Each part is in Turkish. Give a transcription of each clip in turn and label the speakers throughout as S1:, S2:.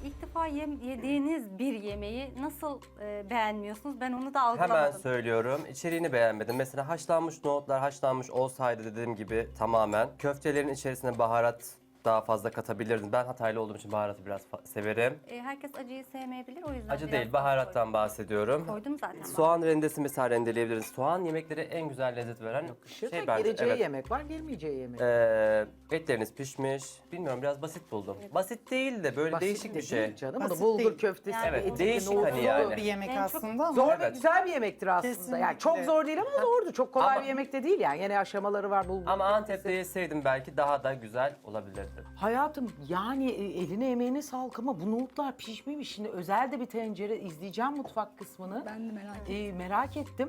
S1: ilk defa yediğiniz bir yemeği nasıl beğenmiyorsunuz? Ben onu da algılamadım.
S2: Hemen söylüyorum. İçeriğini beğenmedim. Mesela haşlanmış nohutlar haşlanmış olsaydı dediğim gibi tamamen. Köftelerin içerisine baharat daha fazla katabilirdim. Ben Hataylı olduğum için baharatı biraz severim.
S1: Herkes acıyı sevmeyebilir, o yüzden
S2: Acı
S1: biraz
S2: değil,
S1: az
S2: baharattan bahsediyorum.
S1: koydum zaten.
S2: Soğan rendesi mesela rendeleyebiliriz. Soğan yemeklere en güzel lezzet veren şey bence.
S3: Gireceği
S2: Evet.
S3: yemek var, girmeyeceği yemek.
S2: Etleriniz pişmiş. Bilmiyorum, biraz basit buldum. Basit değil de böyle
S3: Basit
S2: değişik
S3: de
S2: bir şey.
S3: değil canım. Bunu
S4: Basit
S3: bulgur
S4: değil.
S3: köftesi,
S1: Yani
S2: Evet,
S3: etli,
S2: değişik
S3: nohutlu.
S2: hani yani.
S4: Bir yemek
S1: En çok
S4: aslında ama
S3: Zor ve
S2: Evet.
S3: güzel bir yemektir aslında.
S4: Kesinlikle.
S3: Yani çok zor değil ama zordu. Çok kolay
S2: Ama-
S3: bir yemek de değil yani. Yine aşamaları var bulgur
S2: Ama
S3: köftesi.
S2: Antep'te yeseydim belki daha da güzel olabilirdi.
S3: Hayatım yani eline emeğine sağlık ama bu nohutlar pişmemiş. Şimdi özel de bir tencere izleyeceğim mutfak kısmını.
S5: Ben de merak ettim.
S3: Merak ettim.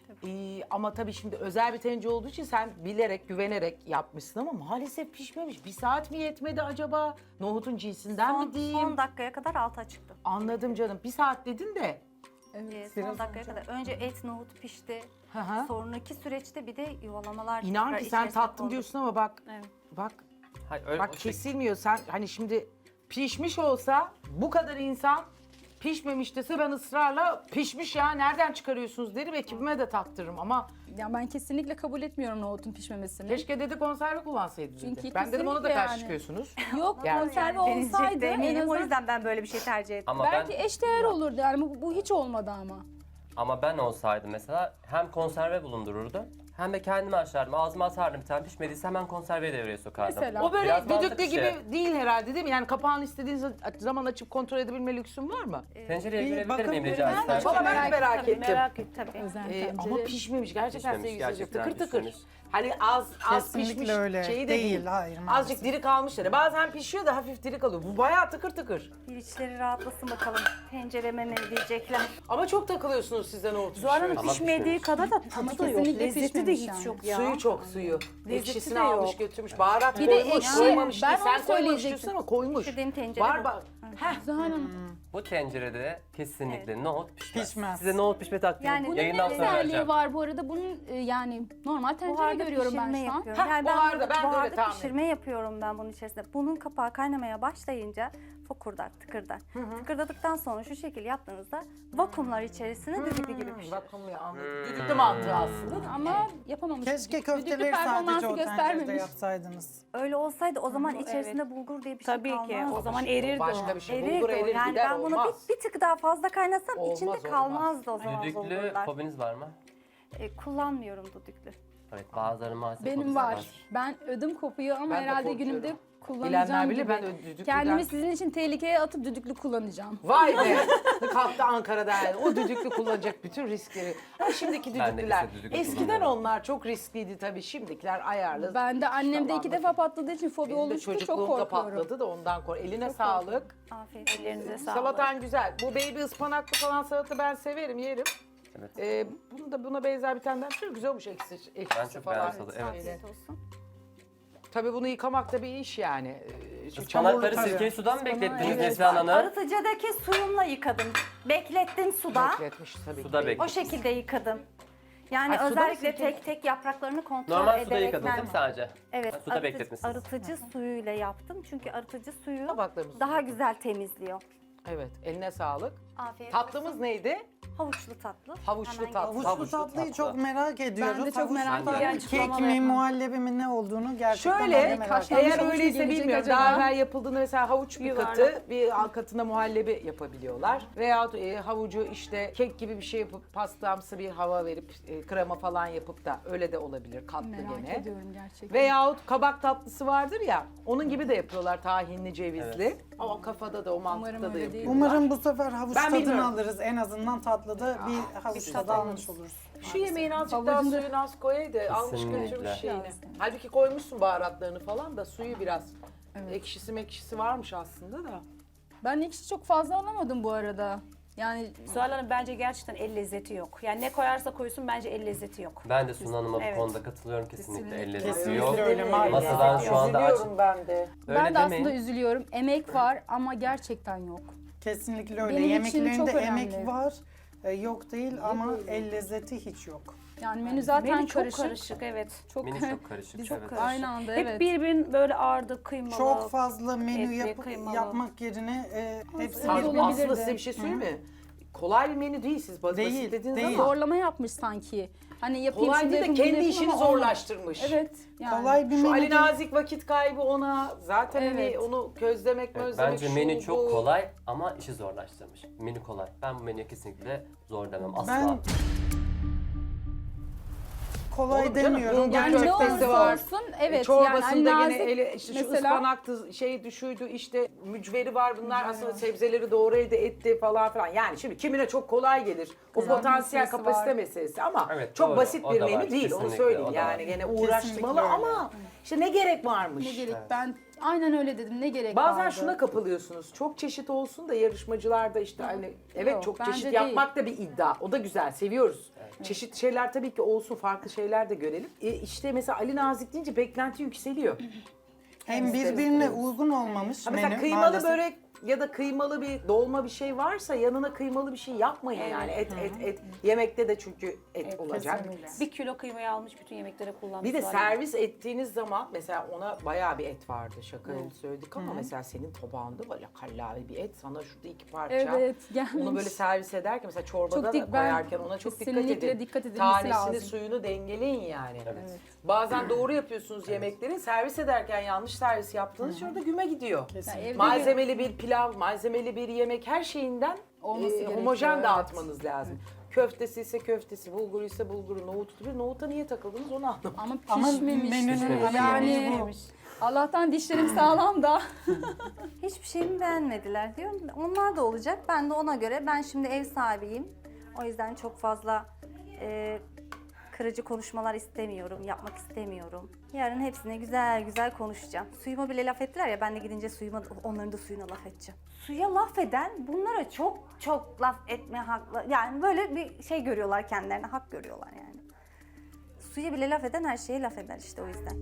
S3: Ama tabii şimdi özel bir tencere olduğu için sen bilerek, güvenerek yapmışsın ama maalesef pişmemiş. Bir saat mi yetmedi acaba? Nohutun cinsinden mi diyeyim?
S1: Son dakikaya kadar altı açıktı.
S3: Anladım canım. Bir saat dedin de.
S1: Son dakikaya kadar. Önce et, nohut pişti.
S3: Hı hı.
S1: Sonraki süreçte bir de yuvalamalar.
S3: İnan
S1: tekrar
S3: ki sen
S1: içerisine
S3: tattım
S1: kondu.
S3: diyorsun ama bak.
S1: Evet.
S3: Bak
S2: Hayır, öyle
S3: bak
S2: o şey-
S3: kesilmiyor. Sen hani şimdi pişmiş olsa bu kadar insan pişmemiş dese ben ısrarla pişmiş ya nereden çıkarıyorsunuz derim, ekibime de tattırırım ama
S5: Ya ben kesinlikle kabul etmiyorum nohutun pişmemesini.
S3: keşke dedi konserve kullansaydı dedi.
S5: Çünkü
S3: Ben dedim ona da
S5: kesinlikle
S3: karşı
S5: yani.
S3: çıkıyorsunuz.
S5: Yok
S3: Yani-
S5: konserve
S1: Deneyecek
S5: olsaydı
S1: de
S5: en
S1: eminim, o
S5: azından
S1: yüzden ben böyle bir şey tercih ettim.
S2: Ama
S5: belki
S2: ben
S5: eşdeğer olurdu yani bu hiç olmadı ama.
S2: ama ben olsaydım mesela hem konserve bulundururdum hem de kendime açardım. Ağzıma atardım, bir tane pişmediyse hemen konserveyi devreye sokardım.
S5: Mesela.
S3: O böyle
S2: Biraz mantıklı
S3: düdüklü
S2: şey.
S3: gibi değil herhalde değil mi? Yani kapağını istediğiniz zaman açıp kontrol edebilme lüksün var mı?
S2: Tencereye
S4: Bir
S2: görebilir
S4: bakın
S2: miyim
S4: bir
S2: rica
S4: ben de
S2: etsem?
S4: çok
S3: Valla ben de merak ettim.
S1: Merak et tabii.
S5: Özel
S3: Ama
S5: tencere.
S3: pişmemiş gerçekten
S2: Pişmemiş,
S3: sevgili seyirciler.
S2: gerçekten
S3: Tıkır tıkır.
S2: pişmemiş.
S3: Hani az
S4: Kesinlikle
S3: pişmiş
S4: öyle.
S3: şeyi de
S4: Değil,
S3: değil.
S4: hayır, maalesef.
S3: Azıcık diri kalmışlar. Bazen pişiyor da hafif diri kalıyor. Bu bayağı tıkır tıkır.
S1: Bir içleri rahatlasın bakalım. Tencereme ne diyecekler.
S3: Ama çok takılıyorsunuz sizden o
S6: Zuhal Hanım
S2: Ama
S6: pişmediği
S2: pişmemiş.
S6: kadar da
S5: Ama
S6: tadı da yok.
S5: kesinlikle
S6: Lezzeti de
S5: pişmemiş
S6: hiç
S5: yani.
S6: yok ya.
S3: Suyu çok suyu. Ekşisini
S6: de
S3: almış
S6: yok.
S3: götürmüş. Baharat
S5: Bir de
S3: koymuş,
S5: ekşi,
S3: koymamış
S5: ben
S3: değil.
S5: onu
S3: Sen koymamış
S5: söyleyecektim.
S3: diyorsun ama koymuş.
S1: Dediğim tencere
S3: Var
S1: bu.
S3: bak. Heh.
S5: Zuhal Hanım,
S2: Bu tencerede kesinlikle nohut pişmez.
S4: Pişmez.
S2: Size nohut pişme taktiği
S1: Yani
S5: bunun
S2: yayından
S5: ne
S2: sonra
S5: özelliği
S2: vereceğim.
S5: var bu arada? Bunun yani normal tencere
S1: Buharda
S5: görüyorum
S1: pişirme
S5: ben şu an.
S1: yapıyorum.
S3: Heh,
S1: Yani
S3: buharda, ben de öyle
S1: buharda
S3: tahmin
S1: pişirme yapıyorum ben bunun içerisinde. Bunun kapağı kaynamaya başlayınca fokurdar, tıkırdar. Tıkırdadıktan sonra şu şekil yaptığınızda vakumlar içerisine düdüklü gibi pişirir.
S3: Vakumluyor anladım. Düdüklü mantığı aslında.
S5: Ama yapamamış.
S4: Keşke
S5: Düdüklü
S4: köfteleri sadece
S5: performansı
S4: o tencerede
S5: göstermemiş.
S4: yapsaydınız.
S1: Öyle olsaydı o zaman
S6: Evet.
S1: içerisinde bulgur diye bir şey
S6: Tabii
S1: kalmazdı.
S6: ki. O zaman
S3: Şey,
S6: erirdi
S3: başka
S6: o.
S3: bir şey.
S1: Erirdi
S3: Bulgur
S1: o.
S3: erir
S1: Yani
S3: gider
S1: ben bunu
S3: olmaz.
S1: bir tık daha fazla kaynasam
S3: Olmaz,
S1: içinde
S3: olmaz.
S1: kalmazdı o zaman
S2: Düdüklü
S1: bulgurlar.
S2: fobiniz var mı?
S1: Kullanmıyorum düdüklü.
S2: Evet, bazıları maalesef
S5: Benim
S2: fobisi
S5: var. Ben ödüm kopuyor ama
S3: Ben de
S5: herhalde
S3: korkuyorum.
S5: günümde
S3: Bilenler
S5: kullanacağım
S3: bilir,
S5: gibi.
S3: ben de düdüklüden-
S5: Kendimi sizin için tehlikeye atıp düdüklü kullanacağım.
S3: Vay be! Kalktı Ankara'da yani. O düdüklü kullanacak bütün riskleri. Ama şimdiki
S2: Ben de
S3: düdüklüler.
S2: ise düdüklü
S3: Eskiden
S2: kullanıyorum.
S3: onlar çok riskliydi tabii. Şimdikiler ayarlı.
S5: Ben de annemde
S3: Tamam,
S5: 2 defa patladığı için fobi
S3: Benim de
S5: oluştu. Çok
S3: çocukluğumda
S5: korkuyorum.
S3: patladı da ondan kork. Eline sağlık.
S1: Afiyet olsun.
S6: Ellerinize sağlık.
S3: Salatan güzel. Bu baby ıspanaklı falan salata ben severim, yerim.
S2: Evet.
S3: Bunu da buna benzer bir tane daha çok güzel olmuş ekşisi
S2: Ben çok
S3: falan.
S2: beğendim tadı, evet.
S1: Afiyet olsun.
S3: Tabii bunu yıkamak da bir iş yani. Çünkü
S2: Ispanakları
S4: tabii.
S2: sirkeli sudan mı beklettiniz
S5: evet.
S2: Neslihan Hanım?
S1: Arıtıcıdaki suyumla yıkadım. Beklettim suda.
S3: bekletmiş tabii.
S2: Suda
S3: ki.
S2: beklet.
S1: O şekilde yıkadım. Yani
S3: Ay, suda mı
S1: özellikle
S3: sirkeli?
S1: tek tek yapraklarını kontrol
S2: Normal suda
S1: ederek
S2: yıkadınız değil mi sadece?
S1: Evet,
S2: Ha, suda bekletmişsiniz.
S1: arıtıcı suyuyla yaptım. Çünkü arıtıcı suyu
S3: Tabaklarımızı
S1: daha güzel temizliyor.
S3: Evet, eline sağlık.
S1: Afiyet
S3: Tatlımız
S1: olsun.
S3: neydi?
S1: Havuçlu tatlı.
S3: Havuçlu
S1: Hemen
S3: tatlı.
S1: geçelim.
S4: Havuçlu tatlıyı çok merak ediyoruz.
S5: Ben de çok merak
S2: Ben de.
S5: ediyorum.
S4: Kek mi, muhallebi mi ne olduğunu gerçekten ben de
S3: Şöyle,
S4: merak
S5: haşlanmış
S4: ediyorum.
S3: eğer
S5: havuç mu
S3: öyleyse
S5: gelecek
S3: bilmiyorum.
S5: acaba?
S3: Daha evvel yapıldığında mesela havuç bir
S6: Yuvarlak.
S3: katı, bir alt katına muhallebi yapabiliyorlar. Veyahut havucu işte kek gibi bir şey yapıp pastamsı bir hava verip krema falan yapıp da öyle de olabilir katlı
S5: Merak
S3: gene.
S5: ediyorum gerçekten.
S3: Veyahut kabak tatlısı vardır ya, onun gibi de yapıyorlar tahinli, cevizli. O kafada da o mantıkta
S5: Umarım
S3: da
S5: öyle değil.
S3: yapıyorlar.
S4: Umarım bu sefer havuç
S3: Ben
S4: tadını
S3: bilmiyorum.
S4: alırız. En azından tatlıda bir havuç tadı almış oluruz.
S3: Şu yemeğin azıcık daha
S5: Havucun da-
S3: suyunu az koyaydı, almış
S2: Kesinlikle.
S3: götürmüş şeyini.
S5: Biraz.
S3: Halbuki koymuşsun baharatlarını falan da suyu biraz. Ekşisi mekşisi varmış aslında da.
S5: Ben ekşi çok fazla alamadım bu arada. Yani
S6: Zuhal Hanım bence gerçekten el lezzeti yok. Yani ne koyarsa koysun bence el lezzeti yok.
S2: Ben de Sunu Hanım'a bu
S6: Evet.
S2: konuda katılıyorum kesinlikle. El lezzeti
S4: Kesinlikle
S2: yok.
S4: öyle maalesef.
S2: Masadan şu anda aç.
S3: Üzülüyorum ben de.
S2: Öyle
S5: ben de
S2: demeyin.
S5: aslında üzülüyorum. Emek var ama gerçekten yok.
S4: Kesinlikle öyle.
S5: Benim için çok
S4: Yemeklerinde
S5: önemli.
S4: emek var. Yok değil ama el lezzeti hiç yok.
S5: Yani menü zaten
S6: Menü çok
S5: karışık.
S6: karışık, evet.
S5: Çok,
S2: Menü çok karışık.
S5: Çok
S2: evet.
S5: karışık. Aynı anda
S6: Hep
S5: evet.
S6: birbirinin böyle ağırdı, kıymalı.
S4: Çok fazla menü
S6: etli, kıymalı.
S4: yapmak yerine hepsini
S5: Evet,
S3: Aslında
S5: olabilirdi.
S3: size bir şey söyleyeyim mi? Kolay bir menü değil, siz basit
S4: Değil,
S3: dediniz
S4: değil.
S3: ama
S5: Zorlama yapmış sanki. Hani yapayım
S3: kolay
S5: şunu
S3: değil de
S5: yapayım, bunu
S3: kendi
S5: yapayım
S3: işini
S5: ama olmadı.
S3: zorlaştırmış.
S5: Evet. Yani.
S4: kolay bir
S3: Şu
S4: menü
S3: Ali
S4: değil.
S3: Nazik vakit kaybı ona, zaten hani
S5: Evet.
S3: onu közlemek,
S2: Evet,
S3: mözlemek,
S2: bence
S3: şu,
S2: menü çok
S3: bu.
S2: kolay ama işi zorlaştırmış. Menü kolay. Ben bu menüye kesinlikle zor demem asla.
S4: Ben kolay
S3: Oğlum canım,
S4: demiyorum.
S3: bulgur
S5: Yani ne
S3: köftesi
S5: olursa
S3: var.
S5: olsun evet.
S3: Çorbasında
S5: yani
S3: gene
S5: nazik
S3: işte şu
S5: mesela
S3: ıspanaktı, şey düşüydü, işte mücveri var, bunlar aslında sebzeleri doğru elde etti falan filan. Yani şimdi kimine çok kolay gelir. O
S5: Kızartma
S3: potansiyel
S5: süresi
S3: kapasite
S5: var.
S3: meselesi ama
S2: Evet,
S3: çok
S2: doğru.
S3: basit
S2: O
S3: bir
S2: da
S3: menü
S2: var.
S3: değil, onu
S2: Kesinlikle,
S3: söyleyeyim.
S2: o da
S3: Yani
S2: var.
S3: gene uğraşmalı
S4: öyle.
S3: ama işte ne gerek varmış.
S5: ne gerek ben aynen öyle dedim ne gerek
S3: Bazen
S5: vardı.
S3: şuna kapılıyorsunuz. Çok çeşit olsun da yarışmacılar da işte hani evet
S5: Yok,
S3: çok
S5: bence
S3: çeşit
S5: değil.
S3: yapmak da bir iddia. O da güzel, seviyoruz. Çeşit şeyler tabii ki olsun, farklı şeyler de görelim. İşte mesela Ali Nazik deyince beklenti yükseliyor.
S4: Hem birbirine uygun olmamış
S3: Ha mesela
S4: menü
S3: kıymalı
S4: maalesef.
S3: börek ya da kıymalı bir dolma bir şey varsa yanına kıymalı bir şey yapmayın yani. Et. Yemekte de çünkü et olacak.
S6: Bir kilo kıymayı almış bütün yemeklere kullanmış.
S3: Bir de servis ettiğiniz zaman mesela ona bayağı bir et vardı, şakayla söyledik ama mesela senin tabağında böyle kallavi bir et, sana şurada 2 parça.
S5: Evet, gelmiş.
S3: Onu böyle servis ederken mesela çorbada
S5: Çok
S3: da
S5: dik- ben
S3: koyarken ona çok dikkat
S5: kesinlikle
S3: edin.
S5: dikkat edilmesi
S3: Tanesini,
S5: lazım.
S3: suyunu dengeleyin yani.
S2: Evet.
S3: Bazen doğru yapıyorsunuz yemekleri, servis ederken yanlış servis yaptığınız için orada güme gidiyor.
S5: Yani evde
S3: Malzemeli bir pilav, malzemeli bir yemek, her şeyinden
S5: Olması gerekiyor,
S3: homojen
S5: evet.
S3: dağıtmanız lazım. Köftesi ise köftesi, bulguru ise bulguru, nohutu bir nohuta niye takıldınız onu anlamadım.
S5: ama
S4: Ama
S5: pişmemiş.
S4: menünün
S5: yani
S4: bu.
S5: Allah'tan dişlerim sağlam da.
S1: Hiçbir şeyimi beğenmediler diyorum. Onlar da olacak. Ben de ona göre, ben şimdi ev sahibiyim. O yüzden çok fazla kırıcı konuşmalar istemiyorum, yapmak istemiyorum. Yarın hepsine güzel güzel konuşacağım. Suyuma bile laf ettiler ya, ben de gidince onların da suyuna laf edeceğim. Suya laf eden bunlara çok çok laf etme haklı. Yani böyle bir şey görüyorlar kendilerine, hak görüyorlar yani. Suya bile laf eden her şeye laf eder işte, o yüzden.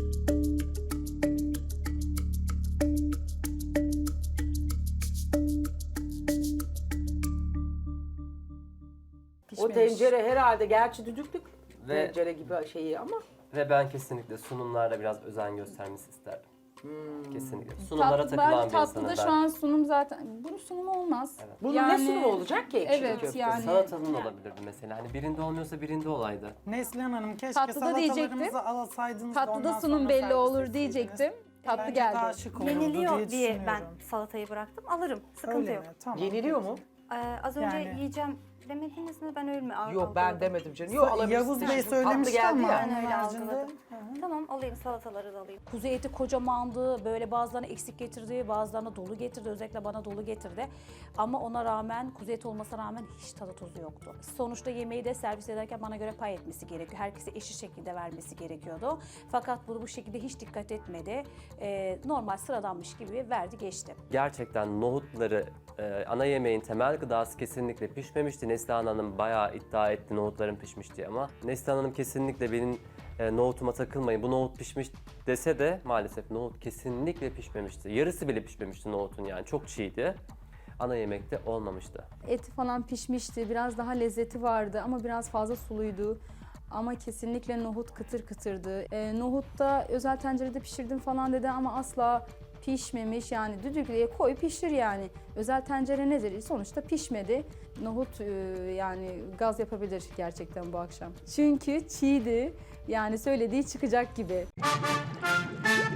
S3: O tencere herhalde gerçi düdüklük
S2: Ve-
S3: tencere gibi şeyi ama
S2: Ve ben kesinlikle sunumlarda biraz özen göstermesi isterdim. Kesinlikle. Sunumlara takılan bir
S5: tatlıda
S2: insanım
S5: şu
S2: ben.
S5: an sunum zaten. Bunun sunumu olmaz.
S3: bunun
S5: Yani-
S3: ne sunumu olacak ki ekşili
S5: Evet,
S3: köfte?
S5: yani-
S2: Salatanın olabilirdi mesela. Hani birinde olmuyorsa birinde olaydı.
S4: Neslihan Hanım keşke
S5: Tatlıda diyecektim.
S4: salatalarımızı alsaydınız da
S5: Tatlıda
S4: ondan
S5: sunum
S4: sonra
S5: belli
S4: servis
S5: olur
S4: etseydiniz.
S5: diyecektim. Tatlı
S4: Bence
S5: geldi.
S4: daha şık olurdu
S1: Yeniliyor diye ben
S4: düşünüyorum.
S1: salatayı bıraktım. Alırım. Sıkıntı
S4: Öyle
S1: yok.
S4: mi? Tamam.
S3: Yeniliyor mu?
S1: Az önce
S4: Yani-
S1: yiyeceğim demediniz mi? Ben öyle mi
S3: Yok ben demedim canım. Yok alabilirsin.
S4: Yavuz Bey
S3: Şimdi tatlı
S4: söylemişti
S3: geldi
S4: ama
S3: ya.
S4: onun
S1: öyle
S4: haricinde.
S1: algıladım. Tamam, alayım, salataları da alayım.
S6: Kuzu eti kocamandı, böyle bazılarını eksik getirdi, bazılarını dolu getirdi, özellikle bana dolu getirdi. Ama ona rağmen, kuzu eti olmasına rağmen hiç tadı tuzu yoktu. Sonuçta yemeği de servis ederken bana göre pay etmesi gerekiyor. Herkese eşit şekilde vermesi gerekiyordu. Fakat bu şekilde hiç dikkat etmedi. Normal sıradanmış gibi verdi geçti.
S2: Gerçekten nohutları ana yemeğin temel gıdası kesinlikle pişmemişti. Neslihan Hanım bayağı iddia etti nohutların pişmiş diye ama Neslihan Hanım kesinlikle benim nohutuma takılmayın, bu nohut pişmiş dese de maalesef nohut kesinlikle pişmemişti. Yarısı bile pişmemişti nohutun, yani çok çiğdi. Ana yemekte olmamıştı.
S5: Eti falan pişmişti. Biraz daha lezzeti vardı ama biraz fazla suluydu. Ama kesinlikle nohut kıtır kıtırdı. Nohutta özel tencerede pişirdim falan dedi ama asla pişmemiş. Yani düdüklüye koy pişir yani. Özel tencere nedir? Sonuçta pişmedi. Nohut yani gaz yapabilir gerçekten bu akşam. Çünkü çiğdi. Yani söylediği çıkacak gibi.